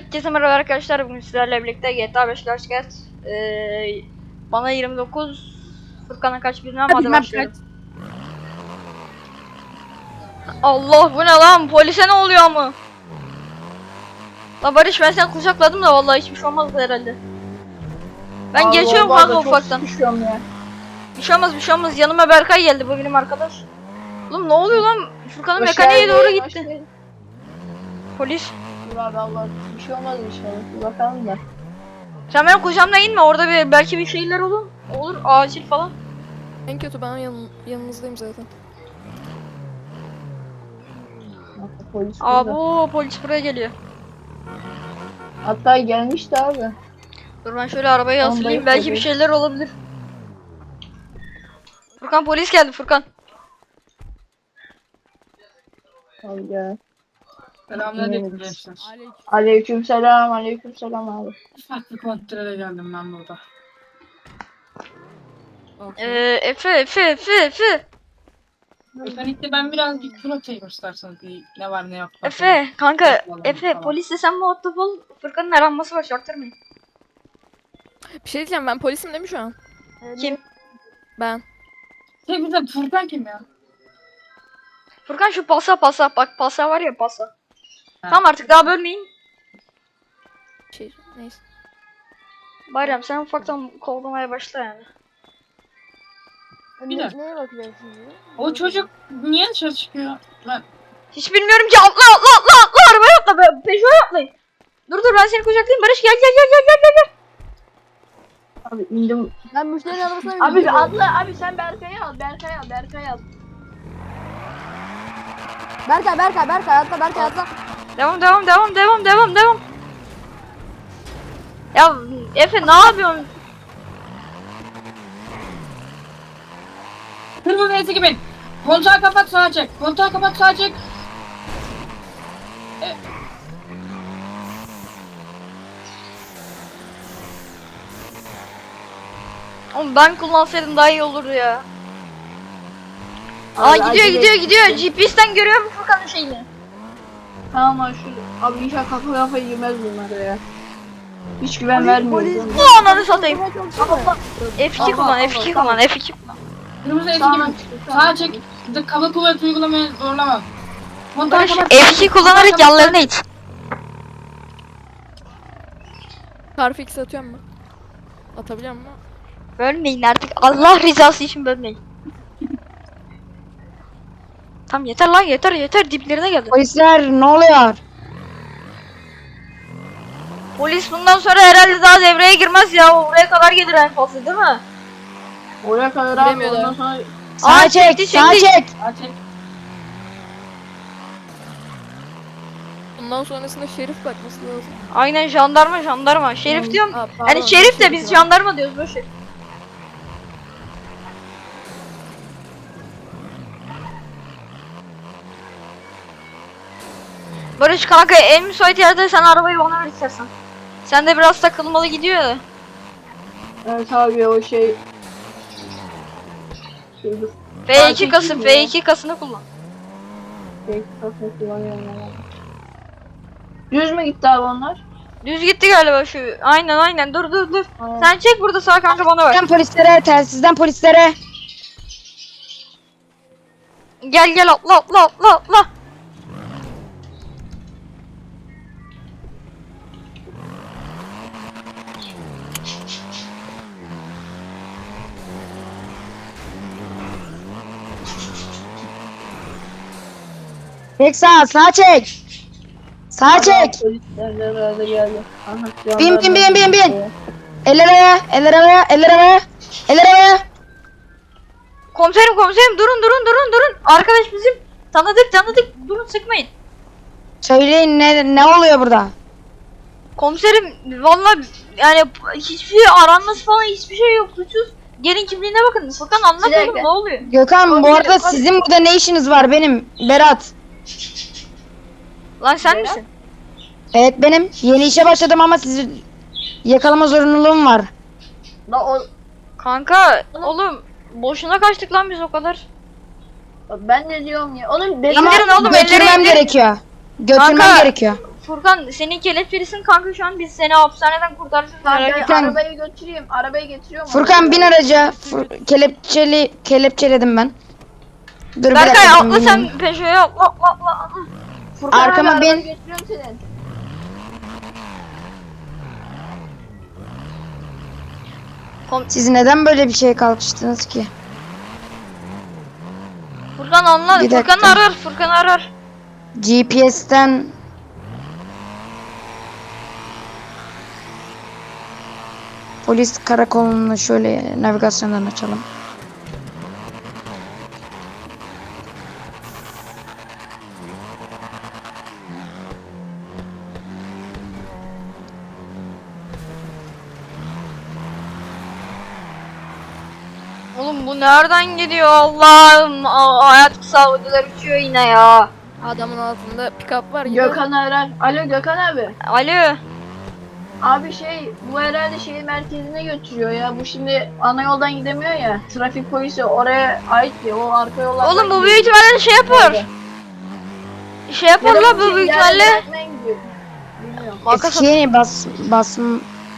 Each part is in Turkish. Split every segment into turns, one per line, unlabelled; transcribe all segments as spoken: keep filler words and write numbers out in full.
Herkese merhaba arkadaşlar, bugün sizlerle birlikte G T A beş gerçek. Ee, bana yirmi dokuz, Furkan'a kaç bilmem, hadi
Bilmem
başlayalım. Allah, bu ne lan, polise ne oluyor ama? La Barış, ben seni kucakladım da vallahi hiçbir şey olmazdı herhalde. Ben
Allah
geçiyorum
Allah,
kanka
çok
ufaktan.
sıkışıyorum ya.
Bir şey olmaz, bir şey olmaz. Yanıma Berkay geldi, bu benim arkadaş. Oğlum ne oluyor lan? Furkan'ın
Hoş
mekaniğe
geldin,
doğru
hoş
gitti.
geldin.
Polis.
Dur abi Allah, bir şey olmaz inşallah. Bir bakalım da.
Sen benim kucağımda inme, orada bir belki bir şeyler olur. Olur, acil falan.
En kötü ben yan, yanınızdayım zaten.
Polis
Aa,
burada.
bu polis buraya geliyor.
Hatta gelmişti abi.
Dur ben şöyle arabayı
Tamam,
hazırlayayım,
bayık
belki bir
tabii.
şeyler olabilir. Furkan, polis geldi Furkan.
Al gel.
Selamünaleyküm gençler.
Aleykümselam, aleykümselam abi.
Farklı kontrole geldim ben burada.
Ee, Efe Efe Efe Efe
Özellikle ben birazcık proteye gösterseniz bir ne var ne yok.
Efe kanka,
Falan,
Efe
falan.
polisle sen muhatap ol, Furkan'ın aranması var, çaktırmayın.
Bir şey diyeceğim, ben polisim değil mi şu an?
Kim?
Ben.
Şey bize Furkan kim ya?
Furkan şu pasa pasa, bak pasa var ya, pasa.
Ha.
Tamam artık daha bölmeyin.
Şey, neyse.
Bayram sen ufaktan kovlamaya başla yani.
Bir dakika.
Neye bakacaksın?
O çocuk niye dışarı çıkıyor? Ben
Hiç bilmiyorum ki, atla atla atla atla, arabaya atla, be, peşime atlayın. Dur dur, ben seni kucaklayayım Barış, gel gel gel gel gel gel gel.
Abi indim.
Ben müşterinin arabasına
Abi bir atla, abi sen Berkay'ı al, Berkay'ı al, Berkay'ı al.
Berkay, Berkay, Berkay atla, Berkay atla.
Devam devam devam devam devam devam. Ya Efe ne yapıyorsun?
kırmızı eti gibi. Kontağı kapat sağa çek. Kontağı kapat sağa çek. E,
Oğlum ben kullansaydım daha iyi olurdu ya. Aa,
Abi,
gidiyor
acele
gidiyor
et.
gidiyor. G P S'ten görüyor mu Furkan'ın şeyini?
Tamam abi şu, abi inşallah kafa kafa yemez bunlar ya. Hiç güven vermiyor.
Bu ananı satayım.
Allah.
F iki
Allah,
kullan,
Allah,
F iki
tamam.
kullan, F iki kullan.
kırmızı eti
Sağdan
gibi.
çıktı,
Sağa
sağdan
çek.
çıktı.
Kaba kuvvet uygulamaya zorlama. Kontağı
Barış
kapat.
F iki kullanarak yanlarına it.
Carfix atıyorum mu? Atabiliyor mu?
Bölmeyin artık, Allah rızası için bölmeyin. Tamam yeter lan, yeter yeter, diplerine geldi.
Polisler ne oluyor?
Polis bundan sonra herhalde daha devreye girmez ya, oraya kadar gelir en fazla değil mi?
Oraya kadar abi
Bilemiyorlar.
ondan sonra
Sağa
Aa,
çek,
çekti,
sağa
çekti.
çek.
Sağa çek.
Bundan sonrasında şerif bakması lazım.
Aynen, jandarma jandarma. Şerif diyorum.
Aa, pardon,
Yani şerif de
şerif
biz
var.
jandarma diyoruz, boşver. Barış kanka, en müsait yerde sen arabayı bana ver istersen. Sen de biraz takılmalı gidiyor ya.
evet abi o şey. Şey dur.
F iki
Aa,
kası,
çekeyim
F
ya.
iki kasını kullan.
Şey kafası kullanıyorum yani. Düz mü gitti abi onlar?
Düz gitti galiba şu. Aynen aynen, dur dur dur.
Aynen.
Sen çek burada sağ kanka, bana ver.
Telsizden polislere, telsizden polislere.
Gel gel, atla atla atla atla.
Çek sağa, sağa çek. Sağa çek.
Polisler de herhalde geldi. Aha,
Bin, bin, bin, bin, bin.
jandarma.
Eller havaya, eller havaya, eller havaya. Eller havaya.
Komiserim komiserim, durun durun durun durun. Arkadaş bizim. Tanıdık tanıdık, durun sıkmayın.
Söyleyin ne ne oluyor burada?
Komiserim vallahi yani hiçbir şey aranması falan, hiçbir şey yok, suçsuz. Gelin kimliğine bakın. Furkan anlat
Bir dakika.
oğlum, ne oluyor?
Gökhan bu
Komiserim,
arada
komiserim.
sizin burada ne işiniz var benim? Berat.
Lan sen
Berat?
misin?
Evet benim. Yeni işe başladım ama sizi yakalama zorunluluğum var.
La o,
Kanka oğlum boşuna kaçtık lan biz o kadar.
ben de diyorum ya. Oğlum benim
Ama
İndirin oğlum, elleri
götürmem
indirin.
gerekiyor. Götürmem
Kanka.
gerekiyor.
Furkan senin kelepçelisin kanka şu an biz seni hapishaneden kurtaracağız.
Tamam
Merak
ben
etme.
Furkan.
arabayı götüreyim. Arabayı getiriyorum.
Furkan bin araca. Fur- kelepçeli kelepçeledim ben. Dur bir
Berkay
dakika,
atla
bineyim.
sen Peugeot'a atla atla atla.
Furkan
Arkama
abi, arabayı
bin.
götürüyorum senin.
Siz neden böyle bir şeye kalkıştınız ki?
Furkan anla.
Bir
Furkan
dakika.
arar. Furkan arar.
G P S'ten polis karakolunu şöyle navigasyondan açalım.
Oğlum bu nereden gidiyor Allah'ım? Aa, hayat kısa ödüler uçuyor yine ya.
Adamın altında pick-up var. gidiyor.
Gökhan arar. Alo Gökhan abi.
Alo.
Abi şey bu herhalde şehir merkezine götürüyor ya. Bu şimdi ana yoldan gidemiyor ya. Trafik polisi oraya ait ya. O arka yollardan
Oğlum bu
gidiyor.
büyük ihtimalle şey yapar. Şey yapar
Ya da
la bu
şey
büyük
ileride
ihtimalle.
bırakmaya gidiyor. Bilmiyorum.
Banka
Eskiye bas basma.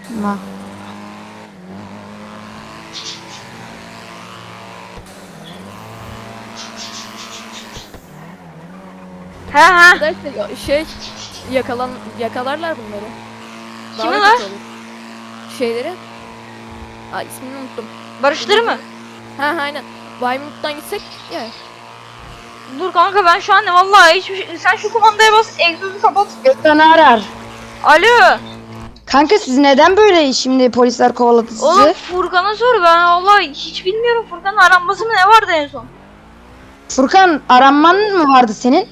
He he.
Derse ya- şey yakalan yakalarlar bunları. Daha
Kimi
da
lan?
kötü olur. Şeyleri. Aa ismini unuttum.
Barıştır mı?
Ha aynen. Baymut'tan gitsek ya.
Dur kanka ben şu an vallahi hiçbir şey... Sen şu kumandaya bas, egzozu kapat.
Gökhan'ı arar.
Alo.
Kanka siz neden böyle şimdi polisler kovaladı sizi?
Oğlum Furkan'a sor ben vallahi hiç bilmiyorum. Furkan'ın aranması mı ne vardı en son?
Furkan aranman mı vardı senin?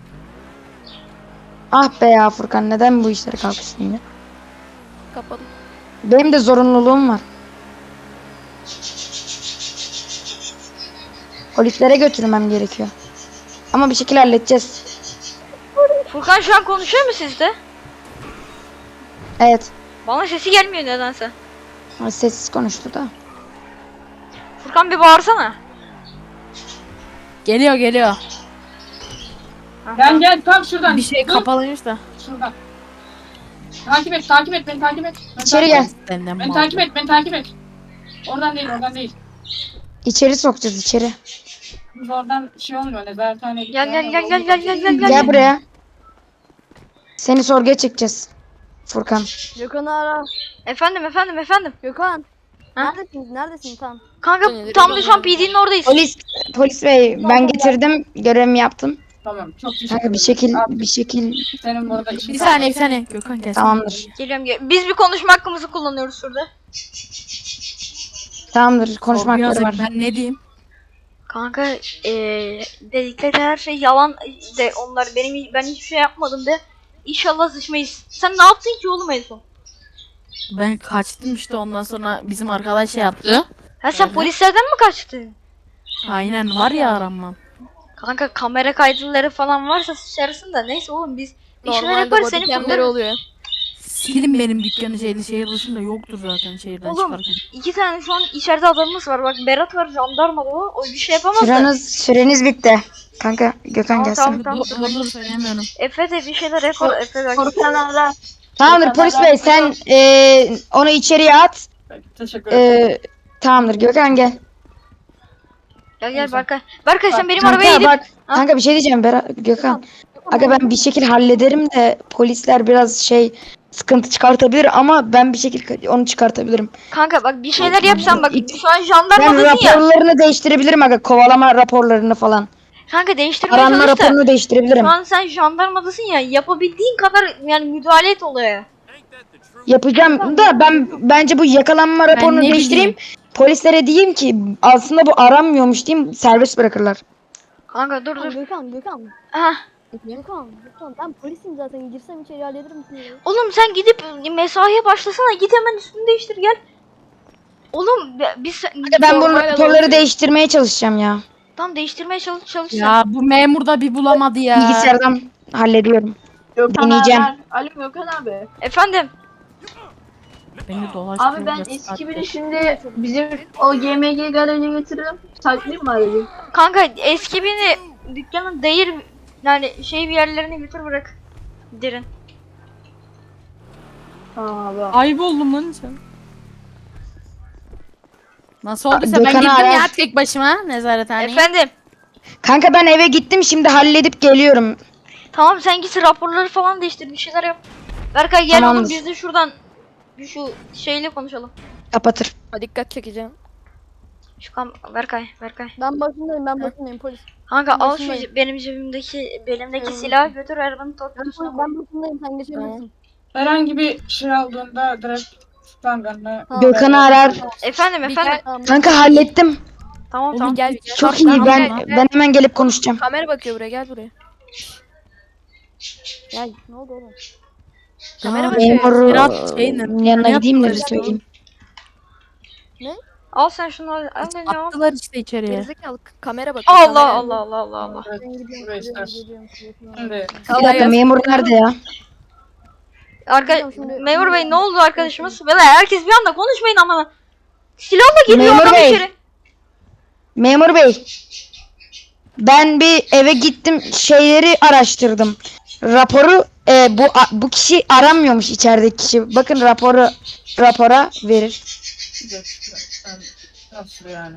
Ah be ya Furkan, neden bu işlere kalkıştın ya?
Kapadım.
Benim de zorunluluğum var. Polislere götürmem gerekiyor. Ama bir şekilde halledeceğiz.
Furkan şu an konuşuyor mu sizde?
Evet.
Bana sesi gelmiyor nedense.
Sessiz konuştu da.
Furkan bir bağırsana.
Geliyor geliyor.
Gel gel tam şuradan.
Bir şey
Dur,
kapalıymış da.
Şuradan. Takip et, takip et, beni takip et. Beni
İçeri
takip
gel.
et.
Senden
Beni
mal.
takip et, beni takip et. Oradan değil, oradan değil.
İçeri sokacağız içeri.
Biz oradan şey olmuyor, nezarethaneye
Gel
gidiyor.
gel gel gel gel gel gel
Gel
gel.
buraya. Seni sorguya çekeceğiz. Furkan.
Gökhan ara.
Efendim efendim efendim.
Gökhan.
Ha?
Neredesin? Neredesin tam?
Kanka
Nedir,
tam da
ben
şu an
geldim.
P D'nin oradayız.
Polis polis bey, ben getirdim, görevimi yaptım.
Tamam, çok teşekkür
Kanka
ederim.
bir şekil
Abi,
bir şekil
senin burada işin
Bir saniye bir saniye. Gökhan gelsin.
tamamdır.
Geliyorum gel. Biz bir konuşma hakkımızı kullanıyoruz şurada.
Tamamdır, konuşma
Sorguya
hakları var.
hazır. Ben ne diyeyim?
Kanka eee dedikleri her şey yalan de onlar benim ben hiçbir şey yapmadım de. İnşallah sıçmayız. Sen ne yaptın ki oğlum en son?
Ben kaçtım işte, ondan sonra bizim arkadaş şey yaptı.
Ha sen
Evet.
polislerden mi kaçtın?
Aynen, var ya aranmam.
Kanka kamera kayıtları falan varsa sıçarsın da neyse oğlum biz bir şeyler
Normalde
yaparız
body
seni
cam'leri
kurtarırız.
oluyor.
Silin benim dükkanı, şeyli şehir dışında yoktur zaten şehirden
Oğlum
çıkarken.
iki tane şu an içeride adamımız var bak Berat var jandarma da o, o bir şey yapamaz da.
Süreniz, süreniz bitti. Kanka Gökhan
Tamam,
gelsin.
tamam, tamam.
Dur dur söylemiyorum.
Efe de bir şeyler yapar Efe bak.
Furkan ara.
Tamamdır polis bey, sen eee, onu içeriye at.
Teşekkür ederim.
Eee, tamamdır Gökhan gel.
Gel gel Berkay. Berkay sen benim
Kanka
arabaya gidip.
bak, kanka bir şey diyeceğim Berat, Gökhan. Aga ben bir şekil hallederim de polisler biraz şey sıkıntı çıkartabilir ama ben bir şekilde onu çıkartabilirim.
Kanka bak bir şeyler yapsan bak
İki-
şu an
Ben
jandarmadasın ya.
raporlarını değiştirebilirim aga, kovalama raporlarını falan.
Kanka değiştirmeye
Aranma
çalış da.
raporunu değiştirebilirim.
Şu an sen jandarmadasın ya yapabildiğin kadar yani müdahale et olaya.
Yapacağım da ben bence bu yakalanma raporunu
ne
değiştireyim. Polislere diyeyim ki aslında bu aranmıyormuş diyeyim, serbest bırakırlar.
Kanka dur dur.
Gökhan, Gökhan.
Hah.
Gökhan, Gökhan. Ben polisim zaten. Girsem içeri hallederim seni.
Oğlum sen gidip mesaiye başlasana git hemen üstünü değiştir gel. Oğlum be- biz
Aga ben bu
Sormayla
raporları
dolaşıyor.
değiştirmeye çalışacağım ya.
tam değiştirmeye çalış çalış. sen.
Ya bu memur da bir bulamadı ya.
Bilgisayardan hallediyorum.
Gökhan
Deneyeceğim.
arar. Alo Gökhan abi.
Efendim.
Beni dolaştırıyor.
Abi ben
biraz
eski
saattir.
biri şimdi bizim o G M G garajına getiririm. Saklayayım mı aracı?
Kanka eski beni dükkanın değir yani şey bir yerlerine götür bırak. Derin.
Tamam abi.
Ayıp oldum lan sen. Nasıl olduysa ben
Gökhan'ı
gittim
arar.
ya tek başıma nezarethaneye.
Efendim.
Kanka ben eve gittim, şimdi halledip geliyorum.
Tamam sen git raporları falan değiştir, bir şeyler yap. Berkay gel oğlum,
Tamamdır.
biz de şuradan bir şu şeyle konuşalım.
Kapatır.
Ha, dikkat çekeceğim.
Şu kam Berkay, Berkay.
Ben başındayım ben başındayım polis.
Kanka al şu
Başındayım.
ce- benim cebimdeki belimdeki
Evet.
silahı götür arabanın
Ben,
torpidosuna koy.
ben başındayım sen geçebilirsin.
Herhangi bir şey aldığında direkt standartına
Tamam.
Gökhan'ı arar.
Efendim efendim.
Tamam.
Kanka hallettim.
Tamam
Oğlum
tamam.
gel. gel.
Çok
Bak,
iyi.
tamam,
Ben
gel.
ben hemen gelip konuşacağım.
Kamera bakıyor buraya, gel buraya.
Gel ne oldu oğlum?
Kamera
Aa,
bakıyor.
Memur
Biraz şey ne-
yanına
ne
gideyim de bir
yaptılar
söyleyeyim.
Al sen şunu al. Al beni al.
Attılar işte içeriye.
Gerizekalı k- kamera bakıyor.
Allah
kamera.
Allah Allah Allah Allah.
Evet,
Ben gidiyorum,
buraya
gidiyorum,
istersin.
gidiyorum, gidiyorum.
Şimdi
Bir dakika, memur nerede ya?
Arka
Hocam şimdi-
Memur Bey ne oldu arkadaşımız? Beyler herkes bir anda konuşmayın ama. Silahla giriyor
Memur
adam
Bey.
içeri.
Memur bey. Ben bir eve gittim, şeyleri araştırdım. Raporu e, bu a- bu kişi aranmıyormuş, içerideki kişi. Bakın raporu rapora verir.
bir dakika, ben nasıl yani?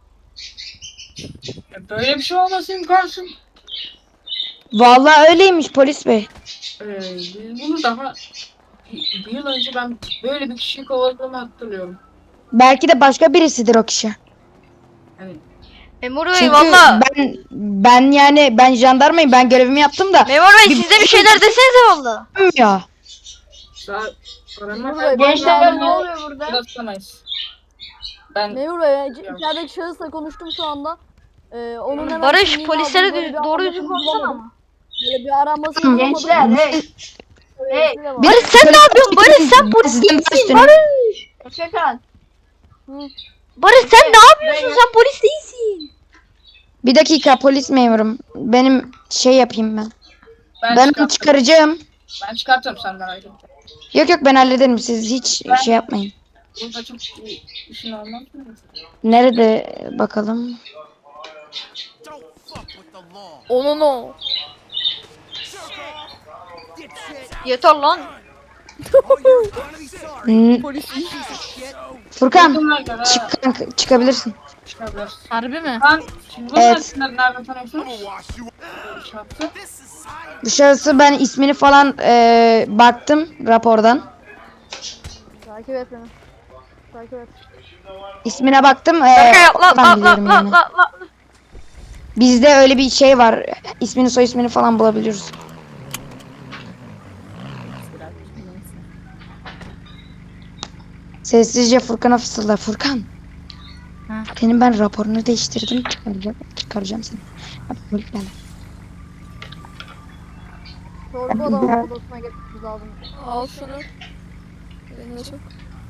Ya böyle bir şey olması imkansız.
Vallahi öyleymiş polis bey.
Ee, biz bunu daha bir, bir yıl önce ben böyle bir kişiyi kovaladığımı hatırlıyorum.
Belki de başka birisidir o kişi.
Yani
Memur Bey
Çünkü
valla.
ben ben yani ben jandarmayım, ben görevimi yaptım da
Memur Bey
Bir-
siz de bir şeyler desenize valla.
ya.
daha arama
Memur Bey,
Gençler ne
ben
oluyor burada?
yapamayız. Ben
Memur Bey, c- içerideki şahısla konuştum şu anda. Ee, onun hemen
Barış
kimliğini
polislere
aldım, böyle
dü-
bir
doğru
aranmasını
düzgün konuşsana
bulamadım.
ama.
Böyle bir aranmasını
Hı.
bulamadım.
Gençler hey. Hey.
Şöyle var.
Barış sen ne yapıyorsun? Barış sen polis
Sizden
değilsin.
üstüne-
Barış.
Efekan.
Barış sen ne yapıyorsun? Sen polis değilsin.
Bir dakika polis memurum. Benim şey yapayım ben.
ben,
Ben
çıkartırım.
çıkaracağım.
Ben çıkartırım senden ayrı.
Yok yok, ben hallederim. Siz hiç
Ben-
şey yapmayın.
Burada çok iyi işin olmaz mı?
Nerede bakalım?
Onun o.
Yeter lan.
Hmm,
Polis.
Furkan
Bunlar göre
çık kanka, çıkabilirsin.
çıkabilir.
Harbi mi?
Ben şimdi bunlar
Evet.
isimleri nereden tanıyorsunuz? Şartı.
Bu şahısı ben ismini falan eee, baktım rapordan.
Takip et beni. Takip et.
İsmine baktım. eee,
Berkay atla atla
oradan
atla
biliyorum
atla
yani.
atla atla.
Bizde öyle bir şey var. İsmini soy ismini falan bulabiliyoruz. Sessizce Furkan'a fısılda. Furkan.
Ha.
Senin ben raporunu değiştirdim. Çıkaracağım, çıkaracağım seni. Hadi polis geldi.
Sorgu odama odasına geçmemiz lazım.
Al şunu. Eline sok.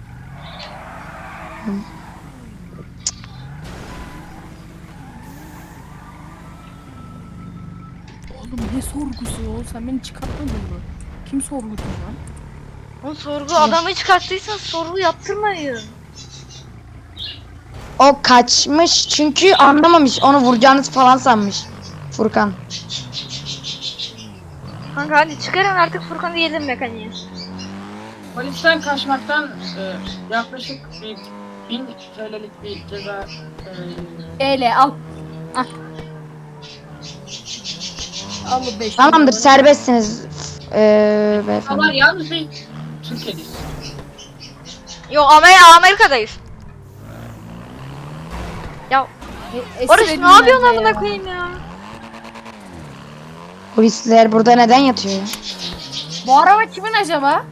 Oğlum ne sorgusu o? Sen beni çıkartmadın mı? Kim sorgusu lan?
O sorgu adamı çıkarttıysan sorgu yaptırmayın.
O kaçmış çünkü anlamamış. Onu vuracağınız falan sanmış. Furkan.
Kanka hadi çıkarın artık Furkan diyelim mekaniğe.
Polisten kaçmaktan e, yaklaşık bir bin T L'lik bir ceza e,
Eyle al. Ah. Al bu beş.
Tamamdır, serbestsiniz. Eee beyefendi.
ama yalnız bir Türkiye'deyiz.
Yo Amerika Amerika'dayız. Ya
E,
Barış
esir
ne yapıyorsun
edilmez
amına
ya.
koyayım ya?
Polisler burada neden yatıyor ya?
Bu araba kimin acaba?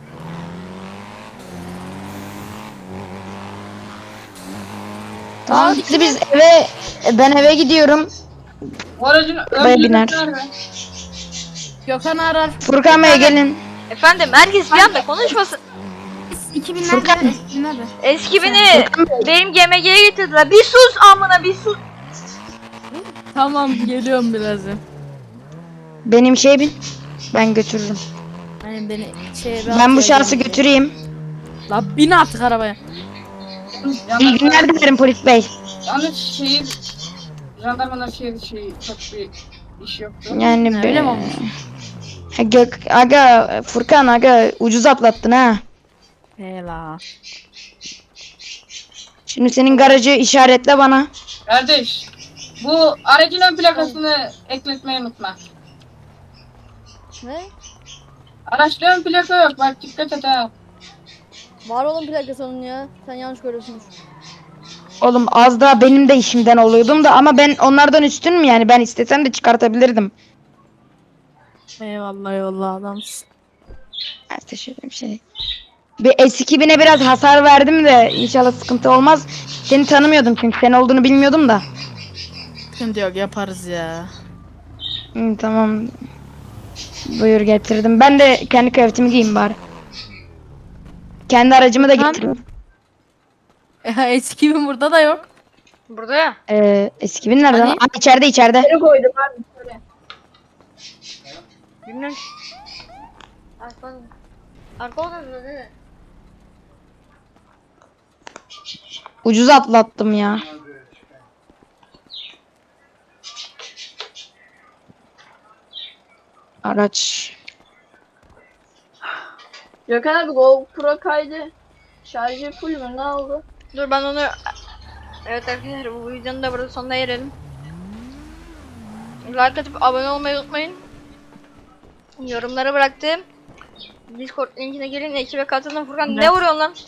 Tamam, hadi biz eve, ben eve gidiyorum.
Bu aracın ön
Baya
bileti
biner.
nerede?
Gökhan arar.
Furkan Bey gelin.
Efendim herkes bir anda konuşmasın.
iki binlerde.
Furkan.
iki binlerde.
Eski beni benim G M G'ye getirdiler. Bir sus amına bir sus.
Tamam geliyorum birazdan.
Benim şey bin. Ben götürürüm.
Hani beni şeye
Ben bu şahsı götüreyim.
La bin artık arabaya.
İyi
Yalnız,
günler dilerim polis bey.
yalnız şehir jandarmanın şehir şeyi çok bir iş yoktu.
Yani
Öyle
be.
mi olmuş?
Ha, Gök, aga Furkan aga ucuz atlattın ha.
Hela.
Şimdi senin garajı işaretle bana.
Kardeş, bu aracın ön plakasını ekletmeyi unutma.
Ne?
Araçta ön plaka yok, bak dikkat et ha.
Var olan plakası onun ya. Sen yanlış görüyorsunuz.
Oğlum az daha benim de işimden oluyordum da ama ben onlardan üstün mü yani, ben istesem de çıkartabilirdim.
Eyvallah eyvallah adamsın.
Ben teşekkür ederim şey. Bir S iki bine biraz hasar verdim de inşallah sıkıntı olmaz. Seni tanımıyordum çünkü sen olduğunu bilmiyordum da.
Sıkıntı yok yaparız ya.
Hı, tamam. Buyur getirdim. Ben de kendi kıyafetimi giyeyim bari. Kendi aracımı da
Tamam.
getirdim.
Ya eski bin burada da yok.
Burada ya.
Ee, eski bin nerede?
Hani?
lan? Aa, içeride içeride.
Nereye koydum abi? Şöyle.
Bilmiyorum. Arka Arka odasında değil mi?
Ucuz atlattım ya. Araç.
Gökhan abi GoPro kaydı. Şarjı full mü? Ne oldu?
Dur ben onu... Evet arkadaşlar bu videonun da burada sonuna erelim. Like atıp abone olmayı unutmayın. Yorumlara bıraktım. Discord linkine gelin, ekibe katılın. Furkan ne vuruyorsun lan?